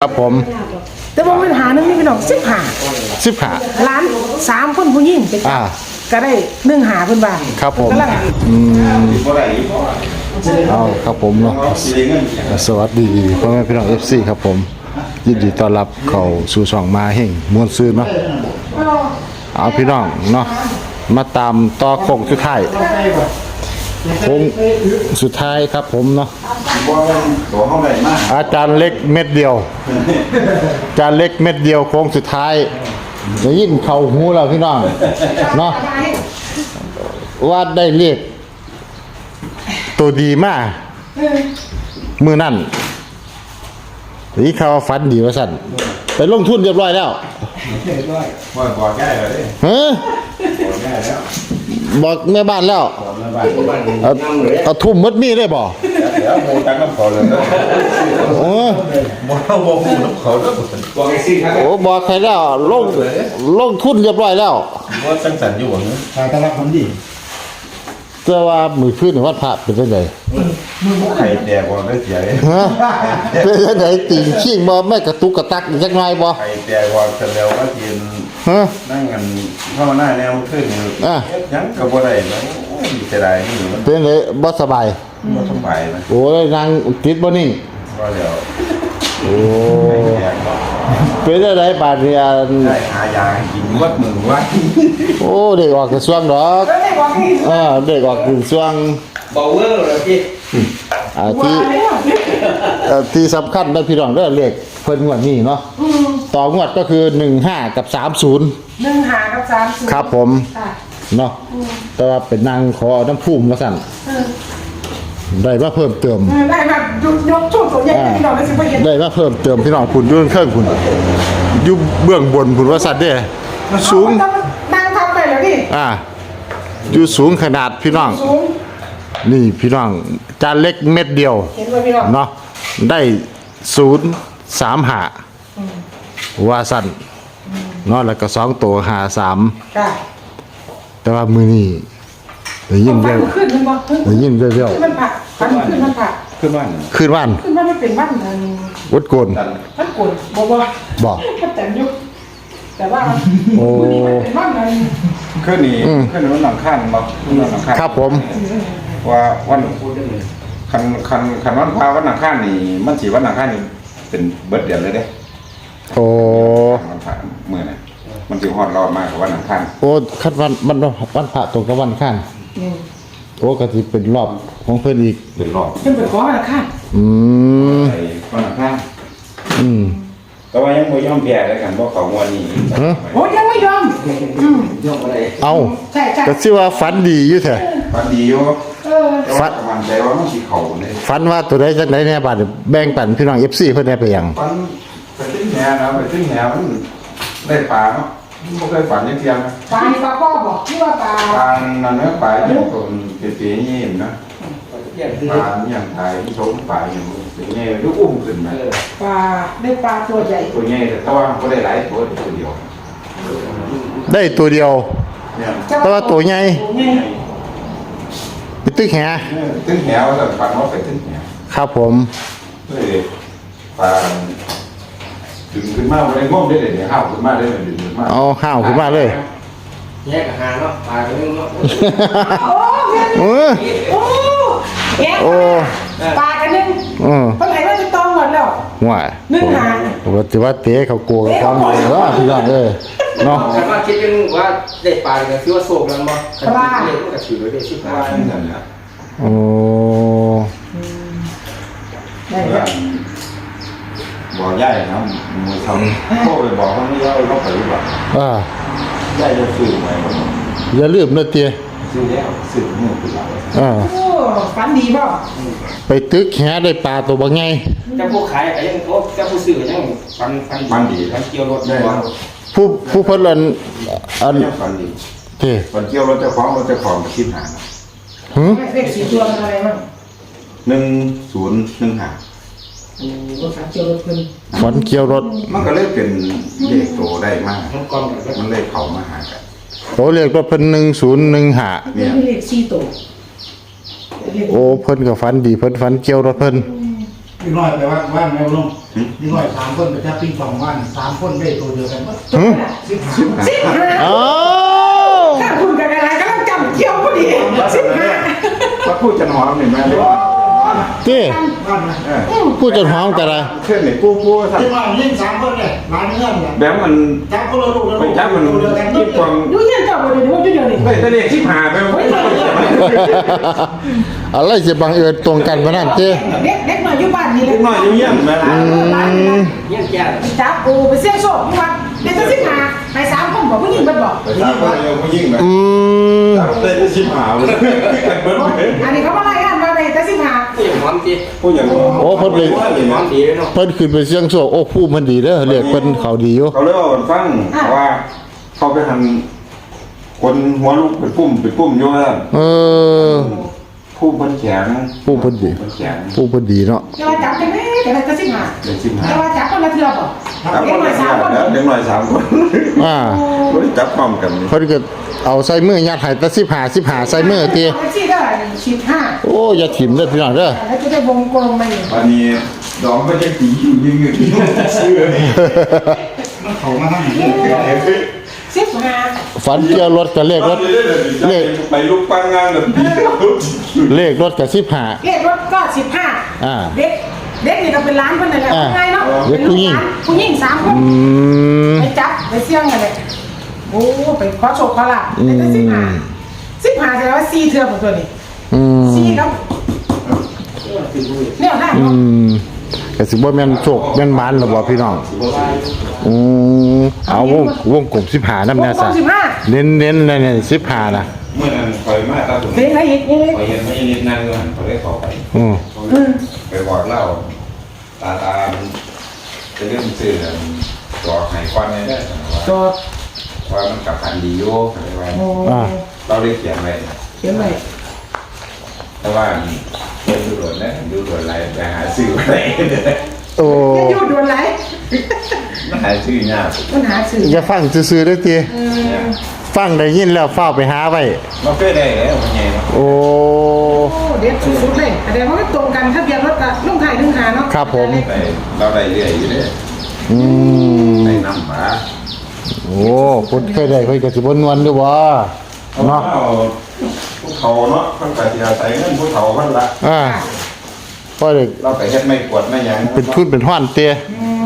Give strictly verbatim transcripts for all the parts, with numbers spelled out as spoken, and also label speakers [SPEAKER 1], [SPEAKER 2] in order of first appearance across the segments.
[SPEAKER 1] ครับผม
[SPEAKER 2] แต่ว่าปัญหานึงนี่พี่น้องสิบหา
[SPEAKER 1] สิบหา
[SPEAKER 2] ล้านสามคนผู้หญิงไปจับก็ได้หนึ่งหาเพิ่นบ้าง
[SPEAKER 1] ครับผมอืมเอาครับผมเนาะสวัสดีพ่อแม่พี่น้อง เอฟ ซี ครับผมยินดีต้อนรับเข้าสู่ช่องมาแห่งมวลซื่นเนาะเอาพี่น้องเนาะมาตามต่อโค้งสุดท้ายโค้งสุดท้ายครับผมเนาะอาจารย์เล็กเม็ดเดียวอาจารย์เล็กเม็ดเดียวโค้งสุดท้ายได้ยินเข้าหูแล้วพี่น้องเนาะว่าได้เรียกตัวดีมากมือนั่นนี่เขาฟันดีว่าสั่นไปลงทุนเรียบร้อยแล้วบอกบอกง่ายเลยฮะบอกแม่บ้านแล้วเอาเอาทุ่มมัดมีได้บ่แล้วโมตังน้ำเขาเลยโอ้บอกบอกน้ำเขาแล้วบอกไอ้ซิ่งครับโอ้บอกใครแล้วลงลงทุนเรียบร้อยแล้วว่าตั้งสันอยู่เนาะทางตลาดคนดีเจ้าว่ามือพื้นวัดพระเป็นยังไงมือไข่แดกว่าได้เสียเลยฮะเป็นยังไงติ่งขี้บ่ไม่กระตุกกระตักยังไงบ่ไข่แดกว่าจะแล้วก็กินฮะนั่งกันเข้าหน้าแนวขึ้นอ่ะยังกับบ่ได้แล้วจะได้นี่มันเป็นเลยบ่สบายบ่สบายนะโอ้ยนางติดบ่นิ่งบ่แล้วโอ้เป็นอะไรบาดเนี่ยได้หายากินวัดมือวัดโอ้เด็กออกกระทรวงดอกเออเด็กออกกระทรวงเบาเวอร์เลยพี่อ่าที่ที่สำคัญได้พี่น้องได้เลขเพิ่นงวดนี้เนาะต่องวดก็คือหนึ่งห้ากับสามศูนย์
[SPEAKER 2] หนึ่งห้ากับสามศูนย์
[SPEAKER 1] ครับผมเนาะแต่ว่าเป็นนางขอน้ำพุ่มมาสั่นได้มาเพิ่มเติม
[SPEAKER 2] ได้มายกช่วงตัวใหญ่พี่น้องได้สิบเปอร์เซ็นต์
[SPEAKER 1] ได้มาเพิ่มเติมพี่น้องคุณยุ่งเครื่องคุณยุ่เบื้องบนคุณว่าสัตว์เด้สูง
[SPEAKER 2] นั่งทำไปแล้วพี่
[SPEAKER 1] อ่าอยู่สูงขนาดพี่น้องนี่พี่น้องจานเล็กเม็ดเดียวเห็นไหมพี่น้องเนาะได้ศูนย์สามหาว่าสั้นเนาะแล้วก็สองตัวหาสามแต่ว่ามือนี่ได้ยินเยอะได้ยินเยอะ
[SPEAKER 2] ๆมันผักมันขึ้นมันผัก
[SPEAKER 1] ขึ้นวันขึ้นวัน
[SPEAKER 2] ขึ้นวันมันเป็นวัน
[SPEAKER 1] วัดโกน
[SPEAKER 2] วัดโกนบอกว่า
[SPEAKER 1] บอก
[SPEAKER 2] แต่ยุคแต่ว่าโอ้เป็นวันนั้น
[SPEAKER 3] ขึ้นนี่ขึ้นวันหลังข้างบอกวันหลังข้าง
[SPEAKER 1] ครับผม
[SPEAKER 3] ว่าวันคันคันคันวันพาวันหลังข้างนี่มันสีวันหลังข้างนี่เป็นเบิร์ดเดียวเลยเด้
[SPEAKER 1] โอ้
[SPEAKER 3] วันพาเมื่อน่ะมันจะฮอดรอดมากกว่าวันหลังข้าง
[SPEAKER 1] โอ้คันวันมันวันพระตรงกับวันข้างโอ้ก็จะเป็นรอบของเพื่อนอีก
[SPEAKER 3] เป็นรอบ
[SPEAKER 2] เพื่อนเป็นของวันข้าง
[SPEAKER 1] อืม
[SPEAKER 3] วันหลังข้าง
[SPEAKER 1] อืม
[SPEAKER 3] แต่ว่ายังไม่ยอมแพ้เลยกันเพราะเขาวันนี้
[SPEAKER 2] โอ้ยังไม่ยอม
[SPEAKER 3] ยอมอะไร
[SPEAKER 1] เอา
[SPEAKER 2] ใช่ใช่
[SPEAKER 1] ก็ชื่อว่าฝันดีอยู่แท้
[SPEAKER 3] ฝันดีอยู่
[SPEAKER 1] ฝัน
[SPEAKER 3] มันใจว่ามันสีเขาเลย
[SPEAKER 1] ฝันว่าตัวใดจังได๋แน่บาดแบ่งปันพี่น้อง เอฟ ซี เพิ่นได้ไปยัง
[SPEAKER 3] ฝันไปขึ้นแหนะไปขึ้นแหมันได้ปลาเนาะไม่เคยฝันยังเทียมนะ
[SPEAKER 2] ปลาปลาพ่อบอกที่ว่าปลา
[SPEAKER 3] ปลานั่นเนื้อปลาอย่างตัวเตี๋ยๆนี่นะปลาอย่างไทยที่ชมปลาอย่างเป็นไงลูกอุ้มขึ้นมา
[SPEAKER 2] ปลาได้ปลาตัวใหญ่
[SPEAKER 3] ตัวใหญ่แต่ว่าก็ได้หลายตัวตัวเดียว
[SPEAKER 1] ได้ตัวเดียวแต่ว่าตัวใหญ่ไปตึกแห
[SPEAKER 3] ตึกแหวแต่ฝันว่าไปตึกแห
[SPEAKER 1] ครับผม
[SPEAKER 3] เลยปลาดึงขึ้นมาเลยง่วงได้เลยเนี่ยห้าวขึ้นมาได้เลยดึงขึ้นมา
[SPEAKER 1] อ๋อห้าวขึ้นมาเลย
[SPEAKER 4] แยกกับหาเนาะปลาไปนึงเนาะ
[SPEAKER 1] โอ้โอ้
[SPEAKER 2] โอ้ปลากันนึงอือปลาไหลว่าจะต้องหมดแล้ว
[SPEAKER 1] ว่า
[SPEAKER 2] นึ่งหา
[SPEAKER 1] ปกติว่าเตะเขากลัวกับความเลยว่าพี่น้องเอ้ยเนาะ
[SPEAKER 4] แต่ว่าคิดเป็นว่าได้ปลาก็คือว่าโศกแล้วบ่ปลาเล็กก็ถือไว้ได้สิบปลานั่นแหละ
[SPEAKER 1] โอ้
[SPEAKER 3] ได้บอกย่ายนะมือทำโค้ไปบอกเขาไม่ย่อยเขาไปดีกว่า
[SPEAKER 1] อ่า
[SPEAKER 3] ย่ายจะสื่อไหม
[SPEAKER 1] อย่าลืมนะเตี้ย
[SPEAKER 3] สื่อแล้วสื่อมือเป็นหลัก
[SPEAKER 1] อ่า
[SPEAKER 2] โอ้ฝันดีป่ะ
[SPEAKER 1] ไปตึกแหได้ปลาตัวบางไง
[SPEAKER 4] จะผู้ขายก็ยังโอ้จะผู้ซื้อก็ยังฟันฟัน
[SPEAKER 3] ฟันดี
[SPEAKER 4] ฟันเกี่ยวรถได้
[SPEAKER 1] ผู้ผู้เพิ่นอันอัน
[SPEAKER 3] ฟันดี
[SPEAKER 1] เท่
[SPEAKER 3] ฟันเกี่ยวรถเจ้าของรถเจ้าของคิดหา
[SPEAKER 1] หืม
[SPEAKER 2] เลขสี่ตัวอะไรบ้าง
[SPEAKER 3] หนึ่งศูนย์หนึ่งห้า
[SPEAKER 2] ฝันเกี่ยวรถเพิ่น
[SPEAKER 1] ฝันเกี่ยวรถ
[SPEAKER 3] มันก็เลยเป็นเลขโตได้มากมันเลยเขามาหากัน
[SPEAKER 1] โตเลขว่าเพิ่นหนึ่งศูนย์หนึ่งห้า
[SPEAKER 2] เนี่ยเลขสี่ตัว
[SPEAKER 1] โอ้เพิ่นก็ฝันดีเพิ่นฝันเกี่ยวรถเพิ่น
[SPEAKER 5] นิดหน่อยไปว่าว่านแมวลงนิดหน่อยสามคนไปจับปิ้งปองว่านสามคนได้ตัวเดียวกันมั้ง
[SPEAKER 1] หึ
[SPEAKER 5] สิบสิบ
[SPEAKER 2] สิบห้า
[SPEAKER 1] อ้าว
[SPEAKER 2] ถ้าคุณกับอะไรก็ต้องจำเที่ยวพอดีสิบห้า
[SPEAKER 3] มาพูดจะหอมเห็นไหมเลย
[SPEAKER 1] ที่
[SPEAKER 5] ว่านนะ
[SPEAKER 1] พูดจนหอมกันเลย
[SPEAKER 3] เช่นไหนปูปูสัก
[SPEAKER 5] ที่ว่ายิ่งสามคนเนี่ยร้านเงื่อนเนี่ย
[SPEAKER 3] แบบมัน
[SPEAKER 5] จับคนละลูกละ
[SPEAKER 3] ไป
[SPEAKER 5] ลูก
[SPEAKER 3] จับมัน
[SPEAKER 5] ตัวเดียวกัน
[SPEAKER 3] ยิ่งกว่า
[SPEAKER 2] ดูเงี้ยเจ้าบริเวณว่าจุดเดียวนี่
[SPEAKER 3] ไม่ได้เรียกชิบหายไปหมด
[SPEAKER 1] อะไรจะบังเอิญตรงกันมานั่นเจ้
[SPEAKER 2] เด็กเด็กหน่อยอยู่บ้านนี่เลย
[SPEAKER 3] หน่อยยุ่งยิ่งไหม
[SPEAKER 4] เงี้ยแก่
[SPEAKER 2] จับกูไปเสี่ยงโชคที่วัดเด็กจะสิบห้าไปสามคนบอกผู้หญิงมันบอก
[SPEAKER 3] ไปจับคนเดียวก็ยิ่งไหม
[SPEAKER 1] อืม
[SPEAKER 3] ได้ชิบหายเลย
[SPEAKER 2] อันนี้เขามาไล่กันมาเลยจะสิบห้า
[SPEAKER 4] ผู้หญิงหอมจี
[SPEAKER 3] พูดอย่าง
[SPEAKER 1] โอ้เพิ่นไป
[SPEAKER 4] หอมดีเลยเนาะ
[SPEAKER 1] เพิ่นขึ้นไปเสียงโศกโอ้ผู้มันดีเด้อเรียกเพิ่นเขาดีอยู่
[SPEAKER 3] เขาเล่าฟังว่าเขาไปทำคนหัวลูกเป็นปุ่มเป็นปุ่มอยู่แล้ว
[SPEAKER 1] เออ
[SPEAKER 3] ผู้เพิ่นแข็ง
[SPEAKER 1] ผู้เพิ่นดี
[SPEAKER 3] เพิ่นแข็ง
[SPEAKER 1] ผู้เพิ่นดีเนาะ
[SPEAKER 2] จะว่าจับกันไหมแต่ละจะสิบห้า
[SPEAKER 3] เด็กชิบหาย
[SPEAKER 2] จะว่าจับคนละเทือกบ่
[SPEAKER 3] จับ
[SPEAKER 2] เด็
[SPEAKER 3] ค
[SPEAKER 2] ก
[SPEAKER 3] น
[SPEAKER 2] หน่
[SPEAKER 3] ละ
[SPEAKER 2] อย
[SPEAKER 3] เสี
[SPEAKER 2] สาย มคน
[SPEAKER 3] แล้วเด็กหน่อยสามคน
[SPEAKER 1] อ่า
[SPEAKER 3] จับพร้อมกัน
[SPEAKER 1] เพิ่นก็เอาใส่มือยัดให้แต่สิบห้า สิบห้าใส่มือติ
[SPEAKER 2] สี่ได้สิบห้า
[SPEAKER 1] โอ้อย่าถิ่มเด้อพี่น้องเด้อ
[SPEAKER 2] แล้วจะได้วงกลมมาอยู่
[SPEAKER 3] วันนี้ดองก็จะตีอยู่ยิงอยู่ที่เสื้อ
[SPEAKER 5] มันเขามาทำอย่างนี้
[SPEAKER 2] สิบห้า
[SPEAKER 1] ฝันเกี่ยวรถกับเลขรถ
[SPEAKER 3] เลขไปลูกปังงานแบบ
[SPEAKER 1] เลขรถกับสิบห้า
[SPEAKER 2] เลขรถก็สิบห้า
[SPEAKER 1] อ่า
[SPEAKER 2] เด็กเด็กนี่ก็เป็นร้านคนนั่นแหละ
[SPEAKER 1] อ่า
[SPEAKER 2] ไงเนาะ
[SPEAKER 1] เด็กผู้หญิง
[SPEAKER 2] ผู้หญิงสามคน
[SPEAKER 1] อืม
[SPEAKER 2] ไปจับไปเสี่ยงกันเลยโอ้ไปขอโชคขอลาบได้สิบห้าสิบห้าแสดงว่าสี่เทือกของตัวนี้
[SPEAKER 1] อืม
[SPEAKER 2] สี่ครับเนี่ยได้
[SPEAKER 1] อื
[SPEAKER 2] เนาะ
[SPEAKER 1] มก็สิบ่แม่นโชคแม่นหมานหรอบ่พี่น้องอืมเอาวงวงกลมสิบห้านำแน่ซะ
[SPEAKER 2] สิบห้า
[SPEAKER 1] เน้นๆเลยเนี่ยสิบห้าน่ะ
[SPEAKER 3] เมื่อนั้นคอยมาตาสุด
[SPEAKER 2] เพลงอะไรอีกนี่
[SPEAKER 3] คอยเห็นไม่ยินนั่งอยู่หันเขาได้เข้าไป
[SPEAKER 1] อืม
[SPEAKER 3] ไปบอกเล่าตาตาจะเรื่องซื้อจอไห้ก้อนนี้ได้
[SPEAKER 2] ตัว
[SPEAKER 3] ว่ามันกับพันดีโย่อะไรไว้
[SPEAKER 2] โอ้
[SPEAKER 3] เราได้เขียนไว้
[SPEAKER 2] เขียนไว้
[SPEAKER 3] แต่ว่าเป็นดูโดนนะดูโดนอะไรไปหาซื้ออะไร
[SPEAKER 1] โอ้
[SPEAKER 2] จะอยู่ด่วนไหน
[SPEAKER 3] หาซื้อยาก
[SPEAKER 2] มันหาสื่อ
[SPEAKER 1] อย่าฟังซื่อๆเด้อติฟังได้ยินแล้วฟ้าวไปหาไว้
[SPEAKER 3] มาเพื่อได้แล้วมันไงเนาะ
[SPEAKER 1] โอ้
[SPEAKER 2] โอ้เด็ดสุดๆเลยแสดงว่ามันตรงกันทะเบียนรถกับลุงไทยลุงหาเนาะ
[SPEAKER 1] ครับผม
[SPEAKER 3] ไปเราได้เรื่อยอยู่เลย
[SPEAKER 1] อืม
[SPEAKER 3] ได้นำมา
[SPEAKER 1] โอ้คนเคยได้เคยก็สิบ่นวลอยู่บ่
[SPEAKER 3] เนาะ
[SPEAKER 1] เนาะ
[SPEAKER 3] ผู้เขาเนาะมันก็สิอาศัยเงินผู้เขามันละ
[SPEAKER 1] อ่าพอได้
[SPEAKER 3] เราไปเฮ็ดไม่กวดไม่หยัง
[SPEAKER 1] เป็นทุนเป็นห้อนเตย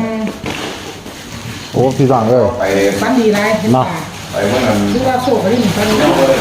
[SPEAKER 1] โอ้พี่น้องเอ้ย
[SPEAKER 3] ไป
[SPEAKER 2] ฟันดีไรเห็น
[SPEAKER 1] เนาะ
[SPEAKER 2] ป่ะ
[SPEAKER 3] ไปเมื่อนั้น
[SPEAKER 2] หรือว่าโชคอะไรนี่ฟันดี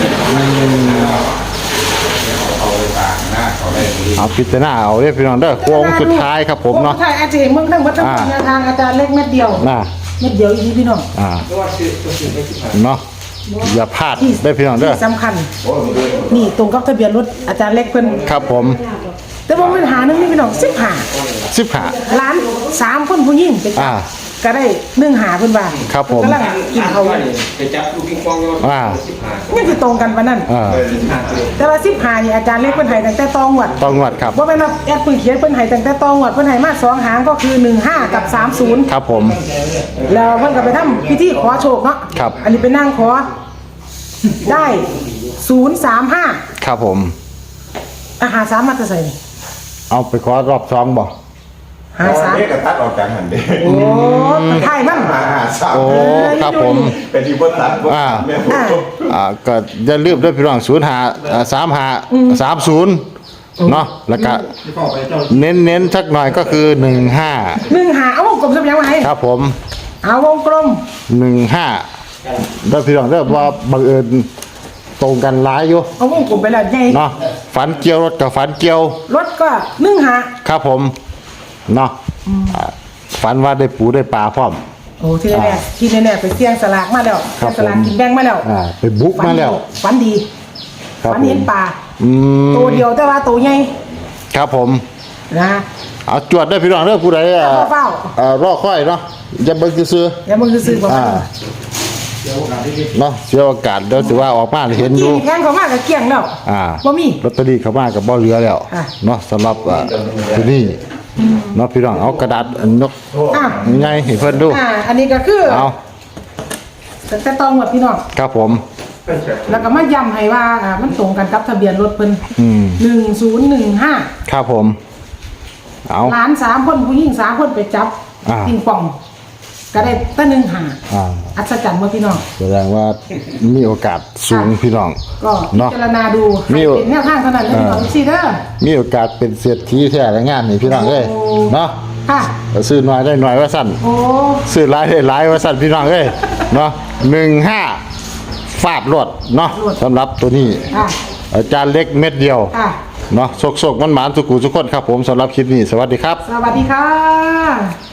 [SPEAKER 3] เอาไปตากหน้าเขาได้ดี
[SPEAKER 1] เอาพิจารณาเอาเด้อพี่น้องเด้อโค้งสุดท้ายครับผมเนาะ
[SPEAKER 2] โค้งสุดท้ายอาจารย์เมืองทั้งหมดทั้งหมดแนวทางอาจารย์เล็กเม็ดเดียว
[SPEAKER 1] น่ะ
[SPEAKER 2] เม็ดเดียวอีกพี่น้อง
[SPEAKER 1] อ่า
[SPEAKER 4] ก็ว่าซื้อตัวซื้อไปสิบห้า
[SPEAKER 1] เนาะอย่าพลาดได้อพี่น้องเด้อ
[SPEAKER 2] ที่สำคัญ นี่ตรงกับทะเบียนรถอาจารย์เล็กเพิ่น
[SPEAKER 1] ครับผม
[SPEAKER 2] แต่ว่าปัญหาหนึงนี่พี่น้องสิบห้า
[SPEAKER 1] สิบห้า
[SPEAKER 2] ล้านสามคนผู้หญิงไปจั
[SPEAKER 1] อ่า
[SPEAKER 2] บก็ได้หนึ่งหาเพิ่นว่า
[SPEAKER 1] ครับผม
[SPEAKER 2] กำลังกินเขาว
[SPEAKER 4] ไปจับลูกปิงปองอยู่สิบห้า
[SPEAKER 2] นี่คือตรงกันปานนั้น
[SPEAKER 1] อ่า
[SPEAKER 2] แต่ว่าสิบห้านี่อาจารย์เล็กเพิ่นให้ตั้งแต่ตองวด
[SPEAKER 1] ต้องงวดครับ
[SPEAKER 2] ว่าเป็นว่าแอดปืนเขียนเพิ่นให้ตั้งแต่ตองวดเพิ่นให้มาสองหางก็คือหนึ่งห้ากับสามศูนย์
[SPEAKER 1] ครับผม
[SPEAKER 2] แล้วเพิ่นก็ไปทำพิธีขอโชคเนาะ
[SPEAKER 1] ครับ
[SPEAKER 2] อันนี้ไปนั่งขอได้ศูนย์สามห้า
[SPEAKER 1] ครับผม
[SPEAKER 2] อาหารสามมาจะใส่นี่
[SPEAKER 1] เอาไปขอรอบสองบ่
[SPEAKER 2] หาสาม
[SPEAKER 3] เด็กก็ตัดออกจากหันเด้
[SPEAKER 2] โอ้ไทยมัน
[SPEAKER 3] หาหาสาม
[SPEAKER 1] โอ้ครับผม
[SPEAKER 3] เป็นที่บ่ตัดบ่
[SPEAKER 1] อ่า
[SPEAKER 3] แม่ผม
[SPEAKER 1] อ่าก็อย่าลืมด้วยพี่น้องศูนย์หาสามหาสามศูนย์เนาะแล้วก็
[SPEAKER 5] ที่พ่อไปเจ้า
[SPEAKER 1] เน้นเน้นๆสักหน่อยก็คือหนึ่งห้า
[SPEAKER 2] หนึ่งหาเอาวงกลมสักอย่างไว้
[SPEAKER 1] ครับผม
[SPEAKER 2] เอาวงกลม
[SPEAKER 1] หนึ่งห้าได้พี่น้องได้ว่าบังเอิญตรงกันหลายอยู่
[SPEAKER 2] เอาวงกลมไปแล้วใหญ่
[SPEAKER 1] เนาะฝันเกี่ยวรถกับฝันเกี่ยว
[SPEAKER 2] รถก็หนึ่งหา
[SPEAKER 1] ครับผมเนาะอ่าฝันว่าได้ปูได้ปลาพร้อม
[SPEAKER 2] โอ้ที่แน่ๆที่แน่ๆไปเสี่ยงสลากมาแล้ว
[SPEAKER 1] ครับ
[SPEAKER 2] สลากกินแบ่งมาแล้ว
[SPEAKER 1] อ่าไปบุกมาแล้ว
[SPEAKER 2] ฝันดี
[SPEAKER 1] ครับ
[SPEAKER 2] ฝัน
[SPEAKER 1] ผ
[SPEAKER 2] เห็
[SPEAKER 1] ม
[SPEAKER 2] นปลา
[SPEAKER 1] อืม
[SPEAKER 2] ตัวเดียวแต่ว่าตัวใหญ่
[SPEAKER 1] ครับผม
[SPEAKER 2] นะ
[SPEAKER 1] เอาจวดได้พี่น้องเด้อผู้ใดอ่า
[SPEAKER 2] เฝ้า
[SPEAKER 1] อ่ารอค่อยเนาะอย่าเบิ่งซื่อ
[SPEAKER 2] อย่ามึงซื้อๆบ่
[SPEAKER 1] ๆอ่า
[SPEAKER 5] เดี๋ยวโอกาสที่
[SPEAKER 1] เนาะเสียโอกาสเดี๋ยวสิว่าออกมาเห็นอ
[SPEAKER 2] กิ
[SPEAKER 1] ยู่
[SPEAKER 2] นแพงเขามากกับเกลี้ยงแล้ว
[SPEAKER 1] อ่า
[SPEAKER 2] บ่มี
[SPEAKER 1] ลอตเตอรี่เข้ามากับบ่เหลือแล้ว
[SPEAKER 2] อ่ะ
[SPEAKER 1] เนาะสำหรับอ่าที่นี่เนาะพี่น้องเอากระดาษอันนก
[SPEAKER 2] อ่ะ
[SPEAKER 1] ใหญ่ให้เพิ่นดู
[SPEAKER 2] อ่าอันนี้ก็คือ
[SPEAKER 1] เอา
[SPEAKER 2] แต่ตองหมดพี่น้อง
[SPEAKER 1] ครับผม
[SPEAKER 2] แล้วก็มาย้ำให้ว่าอ่ามันตรงกันกับทะเบียนรถเพิ่น
[SPEAKER 1] อืม
[SPEAKER 2] หนึ่งศูนย์หนึ่งห้า
[SPEAKER 1] ครับผมเอา
[SPEAKER 2] หลานสามคนผู้หญิงสามคนไปจับ
[SPEAKER 1] อ่า
[SPEAKER 2] ปิงปอง ก็ได้ตั้งหนึ่งหา
[SPEAKER 1] อ่า
[SPEAKER 2] อัศจรรย์เมื่อพี่น้อง
[SPEAKER 1] แสดงว่ามีโอกาสสูงพี่น้อง
[SPEAKER 2] ก็
[SPEAKER 1] เนาะ
[SPEAKER 2] พิจารณาดู
[SPEAKER 1] มี
[SPEAKER 2] ให้เป็นแนวทางเท่านั้นเลยพี่น้องซีเด้อ
[SPEAKER 1] มีโอกาสเป็นเศรษฐีแท้และงานนี่พี่น้องเอ้ย
[SPEAKER 2] โอ้
[SPEAKER 1] เนาะ
[SPEAKER 2] ค่ะ
[SPEAKER 1] ซื้อน้อยได้น้อยว่าสั่น
[SPEAKER 2] โอ้
[SPEAKER 1] ซื้อหลายได้หลายว่าสั่นพี่น้องเอ้ยเนาะหนึ่งห้าฟาดรวดเนาะสำหรับตัวนี้
[SPEAKER 2] ค่ะ
[SPEAKER 1] อาจารย์เล็กเม็ดเดียว
[SPEAKER 2] ค่ะ
[SPEAKER 1] เนาะโศกๆมันหมานๆทุกกูทุกคนครับผมสำหรับคลิปนี้สวัสดีครับ
[SPEAKER 2] สวัสดีค่ะ